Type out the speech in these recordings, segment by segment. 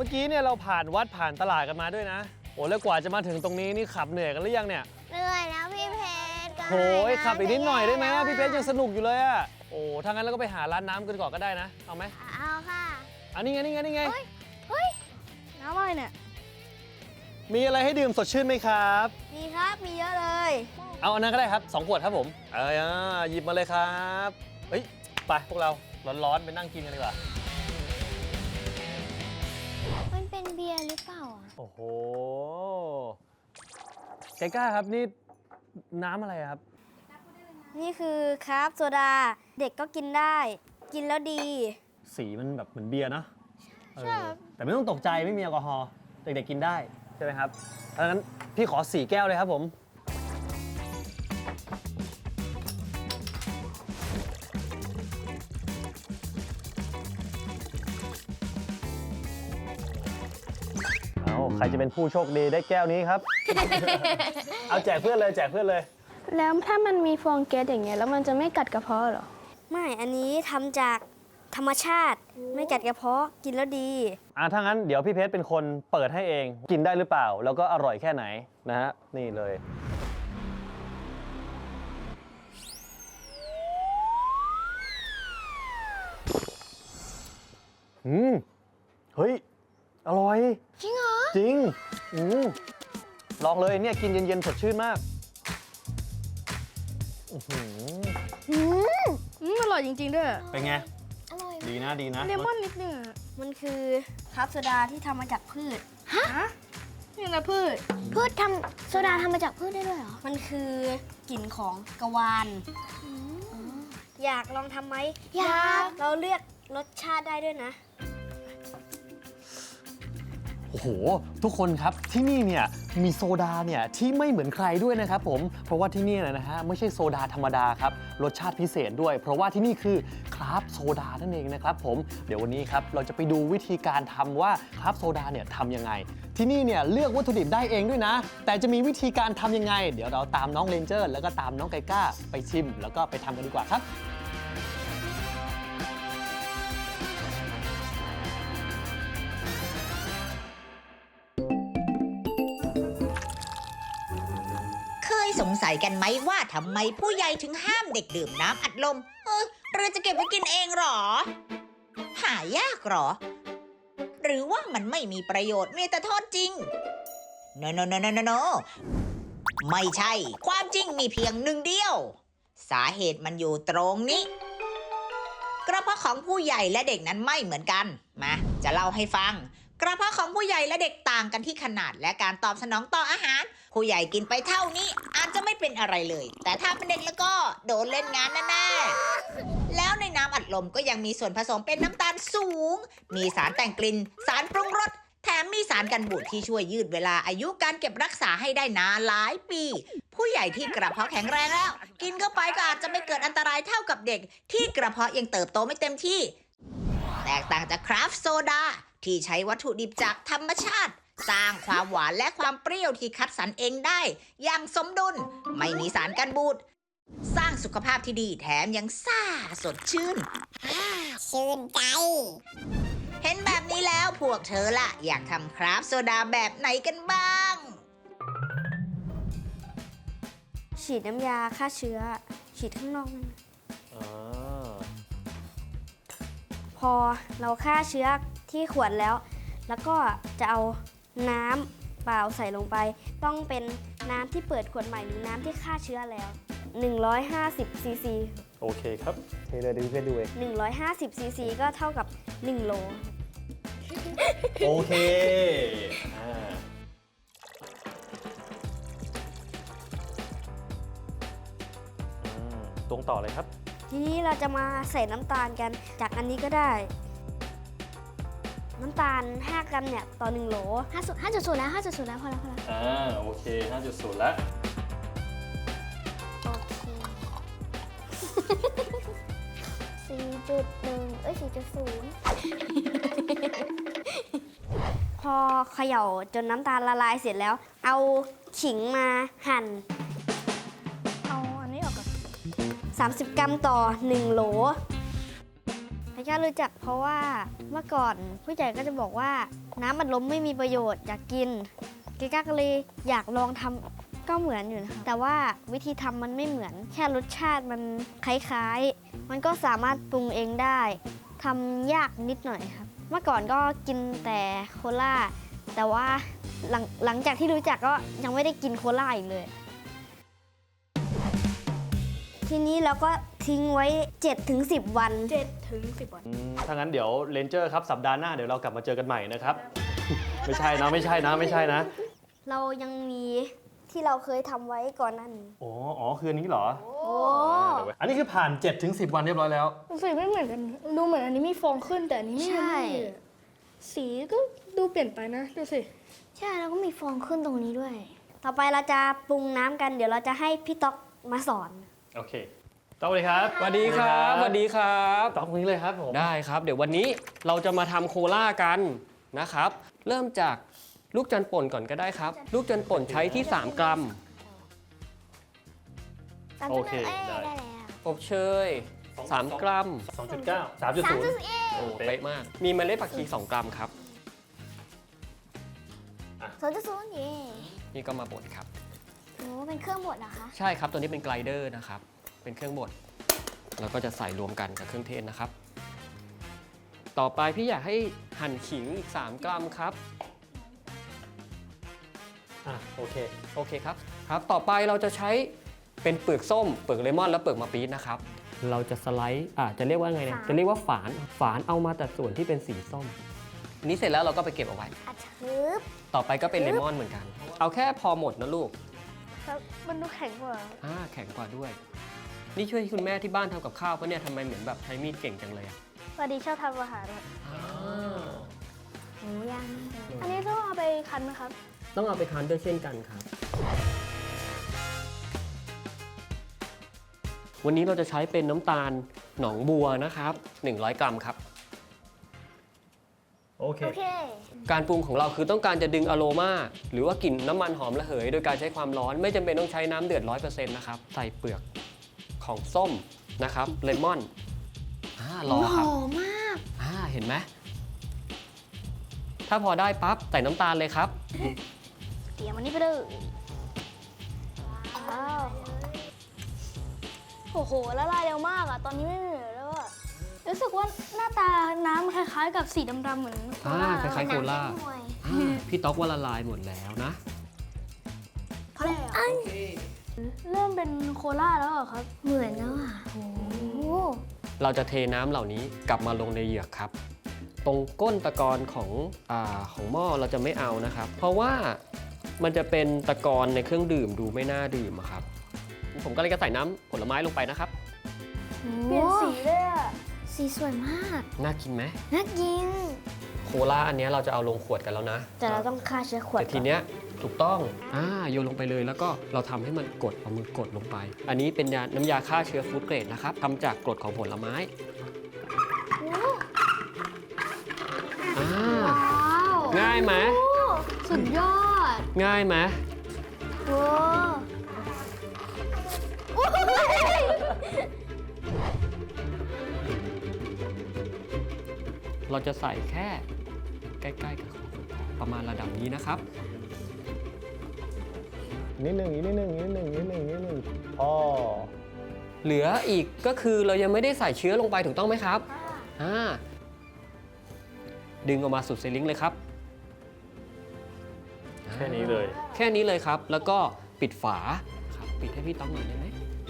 มื่อกี้เนี่ยเราผ่านวัดผ่านตลาดกันมาด้วยนะโอ้แล้วกว่าจะมาถึงตรงนี้นี่ขับเหนื่อยกันหรือยังเนี่ยเหนื่อยแล้วพี่เพชรก็โอ้ยขับอีกนิดหน่อยได้ไหมจะแย่พี่เพชรยังสนุกอยู่เลยอะโอ้ถ้างั้นเราก็ไปหาร้านน้ำกันก่อนก็ได้นะเอาไหมเอาค่ะอันนี้ไงนี่ไงนี่ไงเฮ้ยน้ำอะไรเนี่ยมีอะไรให้ดื่มสดชื่นไหมครับมีครับมีเยอะเลยเอาอันนั้นก็ได้ครับ2 ขวดครับผมหยิบมาเลยครับเฮ้ยไปพวกเราร้อนๆไปนั่งกินกันดีกว่ามันเป็นเบียร์หรือเปล่าอ่ะโอ้โหไกก้าครับนี่น้ำอะไรครับนี่คือครับโซดาเด็กก็กินได้กินแล้วดีสีมันแบบเหมือนเบียร์เนอะใช่ครับแต่ไม่ต้องตกใจไม่มีแอลกอฮอล์เด็กๆกินได้ใช่ไหมครับเพราะงั้นพี่ขอ4 แก้วเลยครับผมเอาใครจะเป็นผู้โชคดีได้แก้วนี้ครับ เอาแจกเพื่อนเลยแจกเพื่อนเลยแล้วถ้ามันมีฟองแก๊สอย่างเงี้ยแล้วมันจะไม่กัดกระเพาะเหรอไม่อันนี้ทำจากธรรมชาติไม่กัดกระเพาะกินแล้วดีถ้างั้นเดี๋ยวพี่เพชรเป็นคนเปิดให้เองกินได้หรือเปล่า แล้วก็อร่อยแค่ไหนนะฮะนี่เลยเฮ้ยอร่อยจริงเหรอจริงลองเลยเนี่ยกินเย็นๆสดชื่นมากอื้อหืออร่อยจริงๆด้วยเป็นไงอร่อยดีนะดีนะเลมอนนิดนึงอะมันคือครับโซดาที่ทำมาจากพืชนี่นะพืชพืชทำโซดาทำมาจากพืชได้ด้วยเหรอ มันคือกลิ่นของกะวานอยากลองทำไหมอยากเราเลือกรสชาติได้ด้วยนะโอ้โหทุกคนครับที่นี่เนี่ยมีโซดาเนี่ยที่ไม่เหมือนใครด้วยนะครับผมเพราะว่าที่นี่นะฮะไม่ใช่โซดาธรรมดาครับรสชาติพิเศษด้วย เพราะว่าที่นี่คือคราฟต์โซดานั่นเองนะครับผมเดี๋ยววันนี้ครับเราจะไปดูวิธีการทำว่าคราฟต์โซดาเนี่ยทำยังไงที่นี่เนี่ยเลือกวัตถุดิบได้เองด้วยนะแต่จะมีวิธีการทำยังไงเดี๋ยวเราตามน้องเรนเจอร์แล้วก็ตามน้องไกก้าไปชิมแล้วก็ไปทำกันดีกว่าครับเคยสงสัยกันไหมว่าทำไมผู้ใหญ่ถึงห้ามเด็กดื่มน้ำอัดลมหรือจะเก็บไว้กินเองหรอ หายากหรอ หรือว่ามันไม่มีประโยชน์มีแต่โทษจริง no ไม่ใช่ ความจริงมีเพียงหนึ่งเดียว สาเหตุมันอยู่ตรงนี้ กระเพาะของผู้ใหญ่และเด็กนั้นไม่เหมือนกัน มาจะเล่าให้ฟัง กระเพาะของผู้ใหญ่และเด็กต่างกันที่ขนาดและการตอบสนองต่ออาหาร ผู้ใหญ่กินไปเท่านี้อาจจะไม่เป็นอะไรเลย แต่ถ้าเป็นเด็กแล้วก็โดนเล่นงานแน่ๆแล้วในน้ำอัดลมก็ยังมีส่วนผสมเป็นน้ำตาลสูง มีสารแต่งกลิ่น สารปรุงรส แถมมีสารกันบูดที่ช่วยยืดเวลาอายุการเก็บรักษาให้ได้นานหลายปี ผู้ใหญ่ที่กระเพาะแข็งแรงแล้ว กินเข้าไปก็อาจจะไม่เกิดอันตรายเท่ากับเด็ก ที่กระเพาะยังเติบโตไม่เต็มที่ แตกต่างจากคราฟต์โซดาที่ใช้วัตถุดิบจากธรรมชาติ สร้างความหวานและความเปรี้ยวที่คัดสรรเองได้ อย่างสมดุล ไม่มีสารกันบูด สร้างสุขภาพที่ดีแถมยังซ่าสดชื่นชื่นใจเห็นแบบนี้แล้วพวกเธอล่ะ อยากทำคราฟต์โซดาแบบไหนกันบ้างฉีดน้ำยาฆ่าเชื้อ ฉีดข้างนอกนั่นพอเราฆ่าเชื้อที่ขวดแล้ว แล้วก็จะเอาน้ำเปล่าใส่ลงไป ต้องเป็นน้ำที่เปิดขวดใหม่หรือน้ำที่ฆ่าเชื้อแล้ว150ซีซีโอเคครับเทเลยเดี๋ยวพี่เพชรดูเอง 150ซีซีก็เท่ากับ1โลโอเคตรงต่อเลยครับทีนี้เราจะมาใส่น้ำตาลกัน จากอันนี้ก็ได้ น้ำตาล5 กรัมเนี่ยต่อ1โหล5.0แล้ว5.0แล้วพอแล้วโอเค 5.0 แล้วโอเค 4.1 พอเขย่าจนน้ำตาลละลายเสร็จแล้ว เอาขิงมาหั่นเอาอันนี้ออกก่อน 30 กรัมต่อ1โหล แล้วแค่รู้จักเพราะว่าเมื่อก่อนผู้ใหญ่ก็จะบอกว่าน้ำอัดลมไม่มีประโยชน์อยากกินเกก้าก็เลยอยากลองทำก็เหมือนอยู่นะคะแต่ว่าวิธีทำมันไม่เหมือนแค่รสชาติมันคล้ายๆมันก็สามารถปรุงเองได้ทำยากนิดหน่อยครับเมื่อก่อนก็กินแต่โคลาแต่ว่าหลังจากที่รู้จักก็ยังไม่ได้กินโคลาอีกเลยทีนี้เราก็ทิ้งไว้ 7-10 วัน 7-10 วันถ้างั้นเดี๋ยวเรนเจอร์ครับสัปดาห์หน้าเดี๋ยวเรากลับมาเจอกันใหม่นะครับ ไม่ใช่นะไม่ใช่นะไม่ใช่นะเรายังมีที่เราเคยทำไว้ก่อนหน้านี้อ๋อคืออันนี้เหรอโอ้อันนี้คือผ่าน 7-10 วันเรียบร้อยแล้วสีไม่เหมือนกัน ดูเหมือนอันนี้มีฟองขึ้นแต่อันนี้ไม่ใช่สีก็ดูเปลี่ยนไปนะ ดูสิใช่แล้วก็มีฟองขึ้นตรงนี้ด้วย ต่อไปเราจะปรุงน้ำกันเดี๋ยวเราจะให้พี่ต๊อกมาสอนโอเคต๊อกเลยครับสวัสดีครับสวัสดีครับต๊อกนี้เลยครับผมได้ครับ เดี๋ยววันนี้เราจะมาทำโคล่ากันนะครับ เริ่มจากลูกจันทร์ป่นก่อนก็ได้ครับ ลูกจันทร์ป่นใช้ที่ 3 กรัมโอเคได้อบเชย 3 กรัม 2.9 3.0 โอ้เป๊ะมาก มีเมล็ดผักชี 2 กรัมครับ 2.0เย่นี่ก็มาบดครับโอ้เป็นเครื่องบดเหรอคะใช่ครับ ตัวนี้เป็นไกลเดอร์นะครับ เป็นเครื่องบดแล้วก็จะใส่รวมกันกับเครื่องเทศนะครับ ต่อไปพี่อยากให้หั่นขิงอีก 3 กรัมครับโอเคโอเคครับ ครับ ต่อไปเราจะใช้เป็นเปลือกส้ม เปลือกเลมอน และเปลือกมะปี๊ดนะครับ เราจะสไลด์จะเรียกว่าไงเนี่ย จะเรียกว่าฝานเอามาแต่ส่วนที่เป็นสีส้ม นี้เสร็จแล้วเราก็ไปเก็บเอาไว้อัดชืบต่อไปก็เป็นเลมอนเหมือนกัน เอาแค่พอหมดนะลูกครับมันดูแข็งกว่าแข็งกว่าด้วย นี่ช่วยคุณแม่ที่บ้านทำกับข้าวปะเนี่ยทำไมเหมือนแบบใช้มีดเก่งจังเลยอะสวัสดีชอบทำอาหารครับหมูย่างอันนี้ต้องเอาไปคั้นไหมครับต้องเอาไปคั้นด้วยเช่นกันครับ วันนี้เราจะใช้เป็นน้ำตาลหนองบัวนะครับ 100 กรัมครับโอเคโอเคการปรุงของเราคือต้องการจะดึงอโรมาหรือว่ากลิ่นน้ำมันหอมระเหย โดยการใช้ความร้อนไม่จำเป็นต้องใช้น้ำเดือด 100% นะครับ ใส่เปลือกของส้มนะครับเลมอนรอครับหอมมากเห็นไหมถ้าพอได้ปั๊บใส่น้ำตาลเลยครับเดี๋ยวมันนี่ไปเลยว้าวโอ้โหละลายเร็วมากอะตอนนี้ไม่เหลือแล้วอะรู้สึกว่าหน้าตาน้ำคล้ายๆ กับสีดำๆเหมือนโคลาคล้ายๆโคล่าหน่วยพี่ต๊อกว่าละลายหมดแล้วนะเพราะอะไรอะเริ่มเป็นโคลาแล้วเหรอครับเหมือนแล้วอ่ะโอ้เราจะเทน้ำเหล่านี้กลับมาลงในเหยือกครับ ตรงก้นตะกอนของหม้อเราจะไม่เอานะครับ เพราะว่ามันจะเป็นตะกอนในเครื่องดื่มดูไม่น่าดื่มอะครับ ผมก็เลยจะใส่น้ำผลไม้ลงไปนะครับเปลี่ยนสีเลยอะสีสวยมากน่ากินไหมน่ากินโคล่าอันเนี้ยเราจะเอาลงขวดกันแล้วนะแต่เราต้องฆ่าเชื้อขวดแต่ทีเนี้ยถูกต้องโยนลงไปเลยแล้วก็เราทำให้มันกดเอามือกดลงไป อันนี้เป็นน้ำยาฆ่าเชื้อฟู้ดเกรดนะครับทำจากกรดของผลไม้ง่ายไหมสุดยอดง่ายไหมโอ้เราจะใส่แค่ใกล้ๆกับประมาณระดับนี้นะครับนิดหนึ่งพอเหลืออีกก็คือเรายังไม่ได้ใส่เชื้อลงไปถูกต้องไหมครับดึงออกมาสุดเซลิงเลยครับแค่นี้เลยแค่นี้เลยครับ แล้วก็ปิดฝาครับปิดให้พี่ต้องหน่อยได้ไหม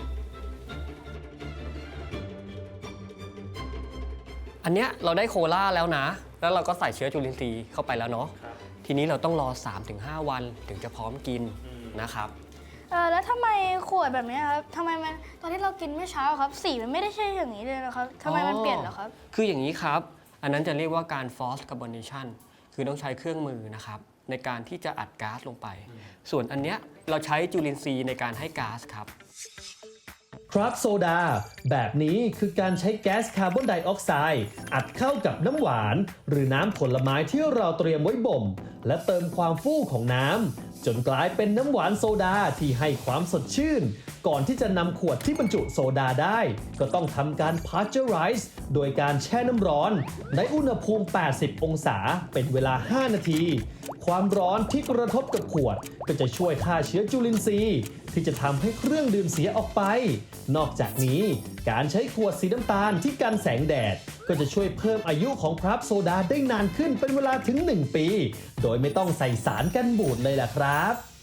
อันเนี้ยเราได้โคล่าแล้วนะ แล้วเราก็ใส่เชื้อจุลินทรีย์เข้าไปแล้วเนาะทีนี้เราต้องรอ 3-5 วันถึงจะพร้อมกินนะครับแล้วทำไมขวดแบบนี้ครับทำไมมันตอนที่เรากินเมื่อเช้าครับสีมันไม่ได้ใช่อย่างนี้เลยนะครับทำไมมันเปลี่ยนเหรอครับคืออย่างนี้ครับ อันนั้นจะเรียกว่าการ forced carbonation คือต้องใช้เครื่องมือนะครับในการที่จะอัดก๊าซลงไป ส่วนอันเนี้ยเราใช้จุลินทรีย์ในการให้ก๊าซครับครับโซดาแบบนี้คือการใช้แก๊สคาร์บอนไดออกไซด์อัดเข้ากับน้ำหวานหรือน้ำผลไม้ที่เราเตรียมไว้บ่ม และเติมความฟู่ของน้ำจนกลายเป็นน้ำหวานโซดาที่ให้ความสดชื่นก่อนที่จะนำขวดที่บรรจุโซดาได้ ก็ต้องทำการ pasteurize โดยการแช่น้ำร้อนในอุณหภูมิ 80 องศาเป็นเวลา 5 นาที ความร้อนที่กระทบกับขวดก็จะช่วยฆ่าเชื้อจุลินทรีย์ที่จะทำให้เครื่องดื่มเสียออกไป นอกจากนี้การใช้ขวดสีน้ำตาลที่กันแสงแดดก็จะช่วยเพิ่มอายุของคราฟต์โซดาได้นานขึ้นเป็นเวลาถึง 1 ปี โดยไม่ต้องใส่สารกันบูดเลยล่ะครับ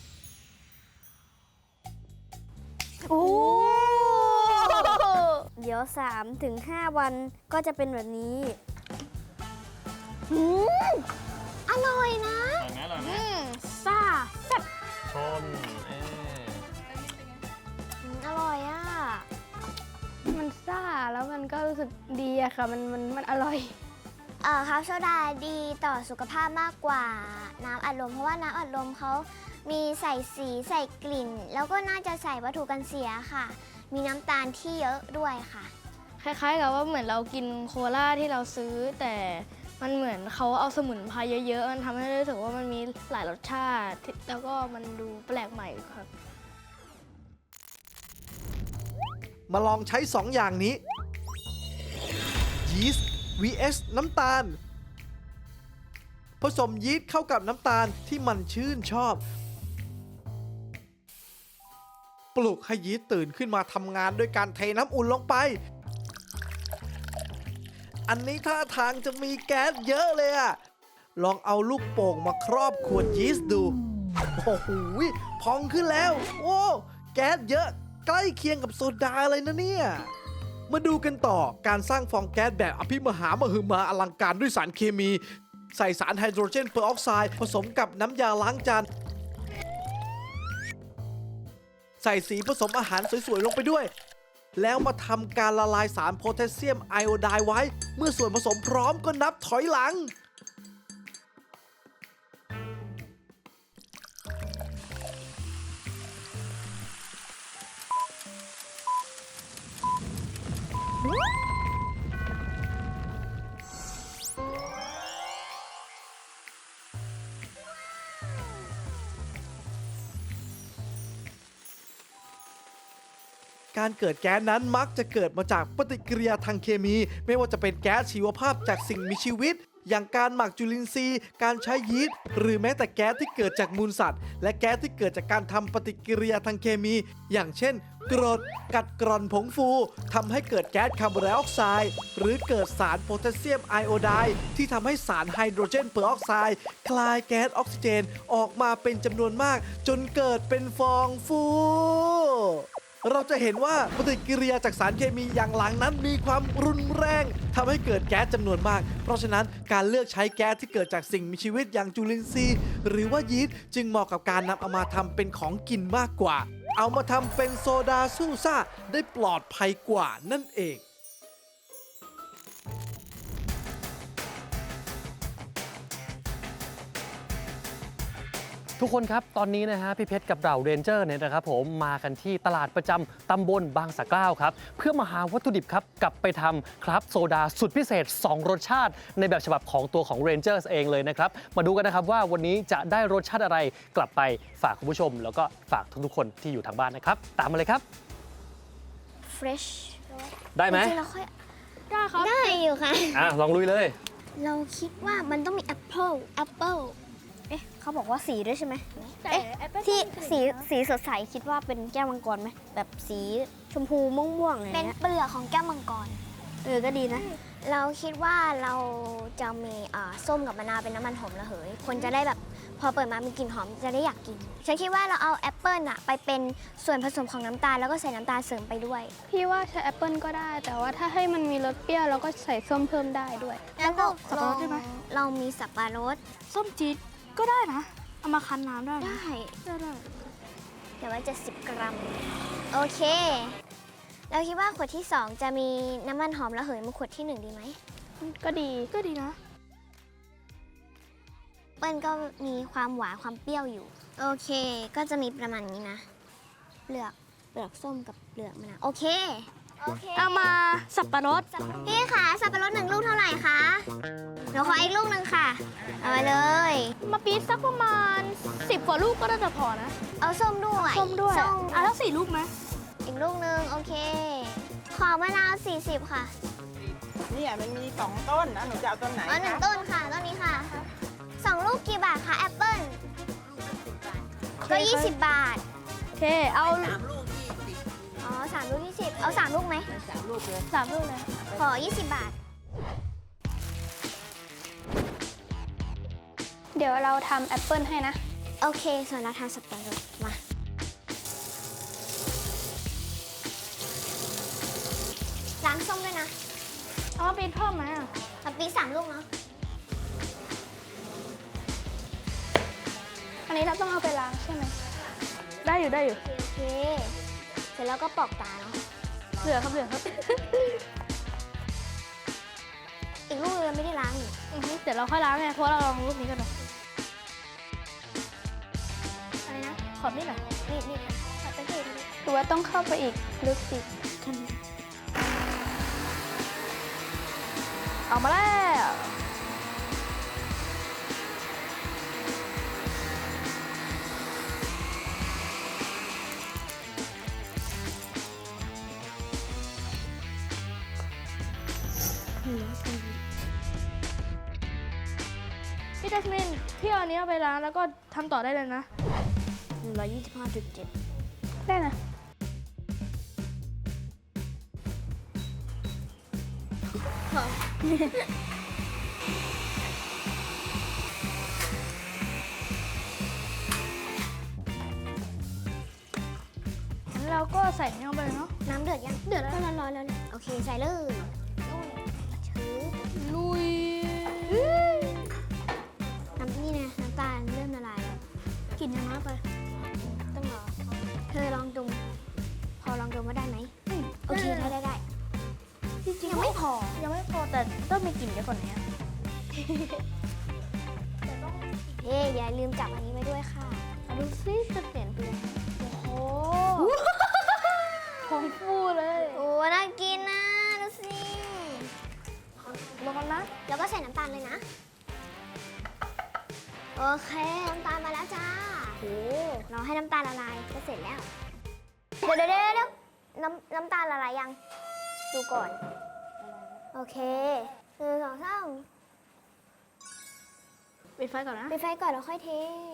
โอ้เดี๋ยว 3-5 วันก็จะเป็นแบบนี้อร่อยนะซ่าแซ่บชนอร่อยอ่ะมันซ่าแล้วมันก็รู้สึกดีอะค่ะมันอร่อยครับโซดาดีต่อสุขภาพมากกว่าน้ำอัดลมเพราะว่าน้ำอัดลมเขามีใส่สีใส่กลิ่น แล้วก็น่าจะใส่วัตถุกันเสียค่ะ มีน้ำตาลที่เยอะด้วยค่ะคล้ายๆกับว่าเหมือนเรากินโคลาที่เราซื้อ แต่มันเหมือนเขาเอาสมุนไพรเยอะๆมันทำให้รู้สึกว่ามันมีหลายรสชาติแล้วก็มันดูแปลกใหม่ครับมาลองใช้ 2 อย่างนี้ ยีสต์ vs น้ำตาล ผสมยีสต์เข้ากับน้ำตาลที่มันชื่นชอบ ปลุกให้ยีสต์ตื่นขึ้นมาทำงานด้วยการเทน้ำอุ่นลงไป อันนี้ท่าทางจะมีแก๊สเยอะเลยอะลองเอาลูกโป่งมาครอบขวดยีสต์ดู โอ้โหพองขึ้นแล้ว โอ้แก๊สเยอะใกล้เคียงกับโซดาเลยนะเนี่ย มาดูกันต่อการสร้างฟองแก๊สแบบอภิมหามหึมาอลังการด้วยสารเคมี ใส่สารไฮโดรเจนเปอร์ออกไซด์ผสมกับน้ำยาล้างจานใส่สีผสมอาหารสวยๆลงไปด้วย แล้วมาทำการละลายสารโพแทสเซียมไอโอไดด์ไว้ เมื่อส่วนผสมพร้อมก็นับถอยหลัง การเกิดแก๊สนั้นมักจะเกิดมาจากปฏิกิริยาทางเคมี ไม่ว่าจะเป็นแก๊สชีวภาพจากสิ่งมีชีวิต อย่างการหมักจุลินทรีย์ การใช้ยีสต์หรือแม้แต่แก๊สที่เกิดจากมูลสัตว์ และแก๊สที่เกิดจากการทำปฏิกิริยาทางเคมี อย่างเช่น กรดกัดกร่อนผงฟูทำให้เกิดแก๊สคาร์บอนไดออกไซด์หรือเกิดสารโพแทสเซียมไอโอไดด์ที่ทำให้สารไฮโดรเจนเปอร์ออกไซด์คลายแก๊สออกซิเจนออกมาเป็นจำนวนมาก จนเกิดเป็นฟองฟู เราจะเห็นว่าปฏิกิริยาจากสารเคมีอย่างหลังนั้นมีความรุนแรงทำให้เกิดแก๊สจำนวนมาก เพราะฉะนั้นการเลือกใช้แก๊สที่เกิดจากสิ่งมีชีวิตอย่างจุลินทรีย์หรือว่ายีสต์จึงเหมาะกับการนำเอามาทำเป็นของกินมากกว่า เอามาทำเป็นโซดาสู้ซ่าได้ปลอดภัยกว่านั่นเองทุกคนครับตอนนี้นะฮะพี่เพชรกับเราเรนเจอร์เนี่ยนะครับผมมากันที่ตลาดประจำตำบลบางสะเกล้าครับเพื่อมาหาวัตถุดิบครับกลับไปทำครับโซดาสุดพิเศษ 2 รสชาติในแบบฉบับของตัวของ Rangers เองเลยนะครับมาดูกันนะครับว่าวันนี้จะได้รสชาติอะไรกลับไปฝากคุณผู้ชม แล้วก็ฝากทุกๆคนที่อยู่ทางบ้านนะครับตามมาเลยครับ fresh ได้ไหมจริงๆเราค่อยได้ครับได้อยู่ค่ะลองลุยเลยเราคิดว่ามันต้องมีแอปเปิลเอ๊ะเขาบอกว่าสีด้วยใช่ไหมแต่เอ๊ะแอปเปิ้ลที่ก็สีสดใสคิดว่าเป็นแก้วมังกรไหมแบบสีชมพูม่วงๆอะไรเป็นเงี้ยเปลือกของแก้วมังกรก็ดีนะเราคิดว่าเราจะมีส้มกับมะนาวเป็นน้ำมันหอมระเหย คนจะได้แบบพอเปิดมามีกลิ่นหอมจะได้อยากกิน ฉันคิดว่าเราเอาแอปเปิลอะไปเป็นส่วนผสมของน้ำตาลแล้วก็ใส่น้ำตาลเสริมไปด้วยพี่ว่าใช้แอปเปิลก็ได้ แต่ว่าถ้าให้มันมีรสเปรี้ยวเราก็ใส่ส้มเพิ่มได้ด้วยแล้วก็สับปะรดได้ไหมเรามีสับปะรดส้มจี๊ดก็ได้นะ เอามาคั้นน้ำได้นะได้ได้แต่ว่า70 กรัม โอเค เราคิดว่าขวดที่ 2 จะมีน้ำมันหอมระเหยมาขวดที่ 1 ดีไหมก็ดีนะเปิ้ลก็มีความหวานความเปรี้ยวอยู่ โอเค ก็จะมีประมาณนี้นะ เปลือกส้มกับเปลือกมะนาวโอเคเอามาสับปะรดพี่คะสับปะรด1 ลูกเท่าไหร่คะเดี๋ยวขออีกลูกหนึ่งค่ะ เอามาเลยมาปี๊ดสักประมาณ10 กว่าลูกก็น่าจะพอนะเอาส้มด้วยส้มด้วยส้มแล้ว4 ลูกไหมลูกหนึ่งโอเค ขอมะนาว 40 ค่ะเนี่ยมันมี2 ต้นนะหนูจะเอาต้นไหนอ๋อหนึ่งคะต้นค่ะ ต้นนี้ค่ะ 2 ลูกกี่บาทคะแอปเปิ้ลก็ 20 บาทโอเค เอาอ๋อ3 ลูก 20 เอา 3 ลูกไหม 3 ลูกเลย 3 ลูกเลยขอ 20 บาทเดี๋ยวเราทำแอปเปิลให้นะโอเค ส่วนเราทำสับปะรดมา ล้างส้มด้วยนะเอามาปีนเพิ่มไหมอ่ะเอาปี3 ลูกเนาะอันนี้เราต้องเอาไปล้างใช่ไหม ได้อยู่ได้อยู่โอเค เสร็จแล้วก็ปอกตาเนาะเหลือครับเหลือครับอีกลูกเราไม่ได้ล้างนี่เดี๋ยวเราค่อยล้างไงเพราะเราลองรูปนี้กันหน่อยอะไรนะ ขอนี่หน่อยนี่ขอตะเกียบหรือว่าต้องเข้าไปอีกลึกอีกเอามาแล้ว พี่จัสมินพี่เอาอันนี้เอาไปล้างแล้วก็ทำต่อได้เลยนะ 125.7 ได้นะ งั้นเราก็ใส่นี่ลงไปเลยเนาะน้ำเดือดยัง เดือดแล้วร้อนแล้วเนี่ยโอเค ใส่เลยชื้อลุยน้ำนี่นะน้ำตาลเริ่มละลายแล้วกลิ่นยังน้อยไปต้องรอ เธอลองดม พอลองดมว่าได้ไหม โอเค ได้จริงๆยังไม่พอยังไม่พอแต่ต้องมีกลิ่นเยอะกว่านี้เฮ้ยอย่าลืมจับอันนี้ไว้ด้วยค่ะเอาดูซิจะเปลี่ยนไปยังไงโอ้โหพองฟูเลยโอ้ น่ากินนะ ดูสิลงกันนะแล้วก็ใส่น้ำตาลเลยนะ โอเค น้ำตาลมาแล้วจ้าโอ้เราให้น้ำตาลละลายก็เสร็จแล้ว เดี๋ยวน้ำตาลละลายยัง ดูก่อน โอเค1 2 3 ปิดไฟก่อนนะปิดไฟก่อนแล้วค่อยเท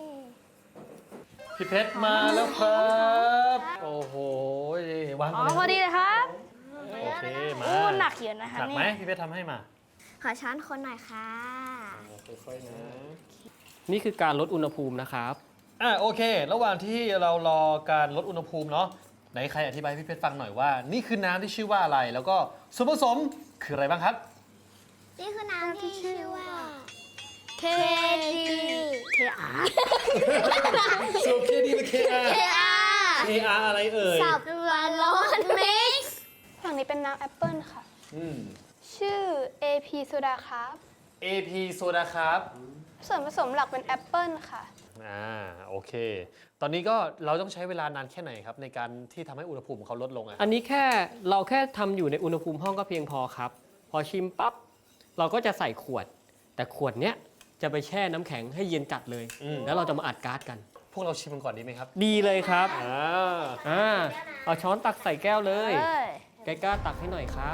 พี่เพชรมาแล้วครับ โอ้โหวางอ๋ก่ออนพอเลยดีเลยครับโอเคมาโอ้หนักเยอะนะคะหนักไหมนี่พี่เพชรทำให้มาขอช้อนคนหน่อยค่ะค่อยๆนะนี่คือการลดอุณหภูมินะครับโอเค ระหว่างที่เรารอการลดอุณหภูมิเนาะไหนใครอธิบายให้พี่เพชรฟังหน่อยว่า นี่คือน้ำที่ชื่อว่าอะไร แล้วก็ส่วนผสมคืออะไรบ้างครับนี่คือน้ำที่ชื่อว่า KG KR สูบเคดีหรือ KR KR อะไรเอ่ยสับปะรดมิกซ์ฝั่งนี้เป็นน้ำแอปเปิลค่ะอืมชื่อ AP โซดาครับ AP โซดาครับส่วนผสมหลักเป็นแอปเปิลค่ะโอเค ตอนนี้ก็เราต้องใช้เวลานานแค่ไหนครับ ในการที่ทำให้อุณหภูมิของเขาลดลงอะอันนี้เราแค่ทำอยู่ในอุณหภูมิห้องก็เพียงพอครับ พอชิมปั๊บเราก็จะใส่ขวด แต่ขวดเนี้ยจะไปแช่น้ำแข็งให้เย็นจัดเลย แล้วเราจะมาอัดก๊าซกันพวกเราชิมกันก่อนดีไหมครับดีเลยครับอ่าเอาช้อนตักใส่แก้วเลยเอ้ยไกล้าตักให้หน่อยครับ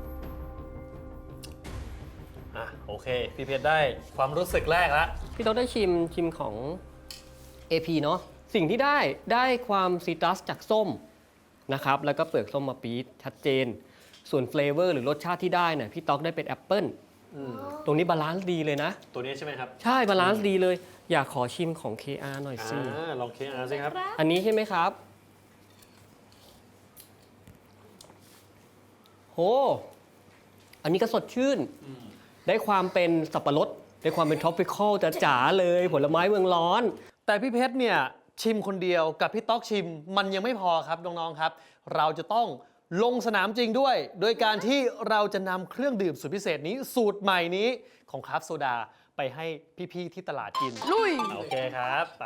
โอเค พี่เพชรได้ความรู้สึกแรกแล้วพี่ต้องได้ชิมของ AP เนาะสิ่งที่ได้ความซีตรัสจากส้มนะครับ แล้วก็เปลือกส้มมาปี๊ดชัดเจน ส่วนเฟลเวอร์หรือรสชาติที่ได้เนี่ยพี่ต๊อกได้เป็นแอปเปิ้ลตรงนี้บาลานซ์ดีเลยนะตัวนี้ใช่ไหมครับใช่บาลานซ์ดีเลย อยากขอชิมของ KR หน่อยสิลอง KR สิครับอันนี้ใช่ไหมครับโหอันนี้ก็สดชื่น ได้ความเป็นสับปะรดได้ความเป็นท็อปปิคอลจ๋าๆเลยผลไม้เมืองร้อนแต่พี่เพชรเนี่ยชิมคนเดียวกับพี่ต๊อกชิมมันยังไม่พอครับน้องๆครับ เราจะต้องลงสนามจริงด้วย โดยการที่เราจะนำเครื่องดื่มสูตรพิเศษนี้สูตรใหม่นี้ของคราฟต์โซดาไปให้พี่ๆที่ตลาดกินลุยโอเคครับไป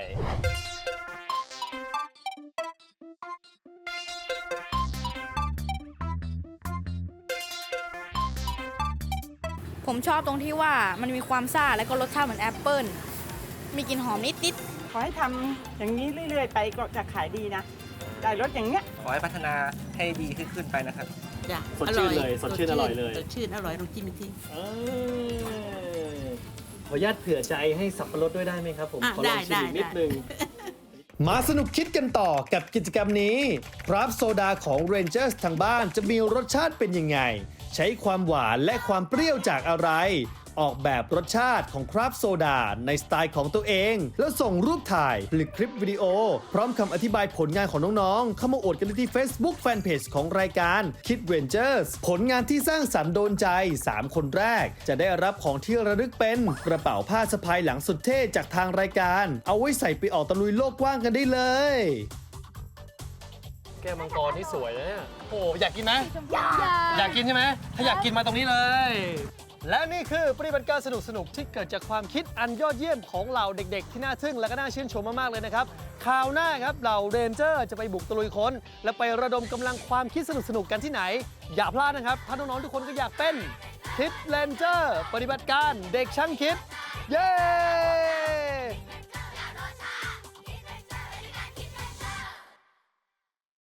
ผมชอบตรงที่ว่ามันมีความซ่าและก็รสชาติเหมือนแอปเปิ้ล มีกลิ่นหอมนิดขอให้ทำอย่างนี้เรื่อยๆไปก็จะขายดีนะอได้รสอย่างเงี้ยขอให้พัฒนาให้ดีขึ้นไปนะครับจ้ะสดชื่นเลยสดชื่นอร่อยเลยสดชื่นอร่อยลองจิ้มอีกทีขออนุญาตเผื่อใจให้สับปะรดด้วยได้ไหมครับผมอ่ะขอลองชิมอีกนิดนึงมาสนุกคิดกันต่อกับกิจกรรมนี้ครับโซดาของ Rangers ทางบ้านจะมีรสชาติเป็นยังไง ใช้ความหวานและความเปรี้ยวจากอะไร ออกแบบรสชาติของครับโซดาในสไตล์ของตัวเอง แล้วส่งรูปถ่ายหรือคลิปวิดีโอ พร้อมคำอธิบายผลงานของน้องๆ เข้ามาอวดกันที่ Facebook Fanpage ของรายการ Kid Rangers ผลงานที่สร้างสรรค์โดนใจ 3 คนแรก จะได้รับของที่ระลึกเป็นกระเป๋าผ้าสะพายหลังสุดเท่จากทางรายการ เอาไว้ใส่ไปออกตะลุยโลกกว้างกันได้เลยแก้วมังกรที่สวยนะเนี่ยโอ้อยากกินไหมอยากกินใช่ไหมถ้าอยากกินมาตรงนี้เลย และนี่คือปฏิบัติการสนุกๆที่เกิดจากความคิดอันยอดเยี่ยมของเหล่าเด็กๆที่น่าทึ่งและก็น่าชื่นชมมากๆเลยนะครับคราวหน้าครับเหล่าเรนเจอร์จะไปบุกตะลุยค้นและไประดมกำลังความคิดสนุกๆกันที่ไหน อย่าพลาดนะครับถ้าน้องๆทุกคนก็อยากเป็นคิดเรนเจอร์ปฏิบัติการเด็กช่างคิดเย้